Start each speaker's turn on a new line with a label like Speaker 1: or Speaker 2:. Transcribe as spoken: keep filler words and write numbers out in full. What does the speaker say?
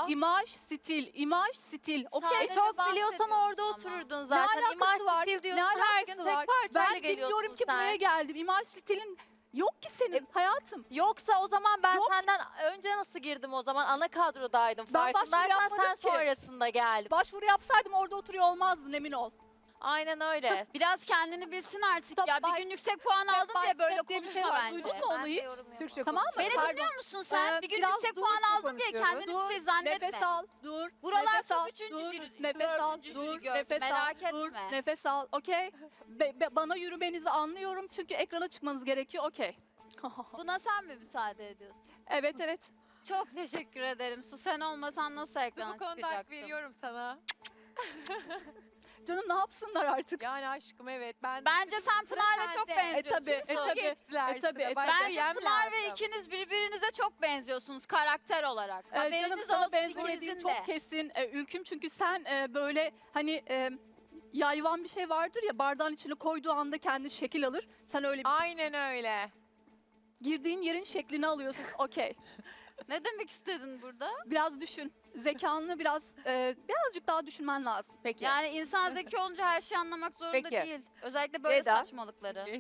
Speaker 1: İmaj, stil, imaj, stil. Okey.
Speaker 2: Sadece
Speaker 3: Çok
Speaker 2: bahsediyorsun
Speaker 3: biliyorsan orada
Speaker 2: ama.
Speaker 3: otururdun
Speaker 1: Ne
Speaker 3: zaten.
Speaker 1: alakası
Speaker 3: İmaj
Speaker 1: var?
Speaker 3: stil
Speaker 1: Ne
Speaker 3: diyorsun her
Speaker 1: alakası
Speaker 3: gün
Speaker 1: var?
Speaker 3: tek parçayla
Speaker 1: Ben
Speaker 3: geliyorsun
Speaker 1: bilmiyorum ki
Speaker 3: sen.
Speaker 1: buraya geldim. İmaj stilin yok ki senin
Speaker 3: E,
Speaker 1: hayatım.
Speaker 3: Yoksa o zaman ben
Speaker 1: Yok.
Speaker 3: senden önce nasıl girdim o zaman? Ana kadrodaydım.
Speaker 1: Ben başvuru
Speaker 3: Farkındaysan
Speaker 1: yapmadım
Speaker 3: sen
Speaker 1: ki.
Speaker 3: sonrasında geldin.
Speaker 1: Başvuru yapsaydım orada oturuyor olmazdın, emin ol.
Speaker 3: Aynen öyle.
Speaker 2: Biraz kendini bilsin artık
Speaker 1: Stop
Speaker 2: ya. Bir
Speaker 1: by-
Speaker 2: gün yüksek puan
Speaker 1: step
Speaker 2: aldın
Speaker 1: by
Speaker 2: diye böyle
Speaker 1: step diye bir şey
Speaker 2: konuşma
Speaker 1: var.
Speaker 2: bence.
Speaker 1: Duydun mu
Speaker 3: Ben
Speaker 1: onu
Speaker 3: de
Speaker 1: hiç?
Speaker 3: yorum yapamam.
Speaker 4: Türkçe
Speaker 1: Tamam mı?
Speaker 2: Beni
Speaker 1: Pardon.
Speaker 2: dinliyor musun sen?
Speaker 1: Ee,
Speaker 2: bir gün
Speaker 1: biraz
Speaker 2: yüksek
Speaker 1: dur,
Speaker 2: puan aldın diye
Speaker 4: konuşuyoruz.
Speaker 2: kendini bir şey zannetme.
Speaker 1: Nefes al, dur.
Speaker 2: Buralar
Speaker 1: nefes
Speaker 2: çok
Speaker 1: al,
Speaker 2: üçüncü
Speaker 1: dur,
Speaker 2: jüri-
Speaker 1: nefes al,
Speaker 2: dördüncü jüri
Speaker 1: dur,
Speaker 2: gördü,
Speaker 1: nefes
Speaker 2: merak
Speaker 1: al, dur,
Speaker 2: etme.
Speaker 1: nefes al, okey. Be- be- bana yürümenizi anlıyorum çünkü ekrana çıkmanız gerekiyor, okey.
Speaker 2: Buna sen mi müsaade ediyorsun?
Speaker 1: Evet, evet.
Speaker 2: Çok teşekkür ederim. Su sen olmasan nasıl ekrana
Speaker 4: Bu konuda hak
Speaker 2: çıkacaktım?
Speaker 4: veriyorum sana.
Speaker 1: Canım ne yapsınlar artık?
Speaker 4: Yani aşkım evet. Ben
Speaker 2: Bence sen
Speaker 4: Sıra
Speaker 2: Pınar'la çok
Speaker 4: sende.
Speaker 1: E
Speaker 2: benziyorsun.
Speaker 1: tabii, e
Speaker 2: Su.
Speaker 1: tabii.
Speaker 4: geçtiler
Speaker 1: E tabii,
Speaker 4: sıra.
Speaker 1: e
Speaker 4: Başka
Speaker 1: tabii.
Speaker 2: Bence
Speaker 4: yem
Speaker 2: Pınar ve
Speaker 4: lazım.
Speaker 2: ikiniz birbirinize çok benziyorsunuz karakter olarak.
Speaker 1: Ee, canım
Speaker 2: Haberiniz
Speaker 1: sana
Speaker 2: olsun
Speaker 1: benzemediğim
Speaker 2: ikinizin
Speaker 1: çok
Speaker 2: de.
Speaker 1: kesin e, Ülküm, çünkü sen e, böyle hani e, yayvan bir şey vardır ya, bardağın içine koyduğu anda kendi şekil alır. Sen öyle bir
Speaker 4: Aynen öyle.
Speaker 1: girdiğin yerin şeklini alıyorsun, okey.
Speaker 2: Ne demek istedin burada?
Speaker 1: Biraz düşün. Zekanını biraz e, birazcık daha düşünmen lazım.
Speaker 3: Peki.
Speaker 2: Yani insan zeki olunca her şeyi anlamak zorunda
Speaker 3: Peki.
Speaker 2: değil. Özellikle böyle
Speaker 3: Veda.
Speaker 2: saçmalıkları.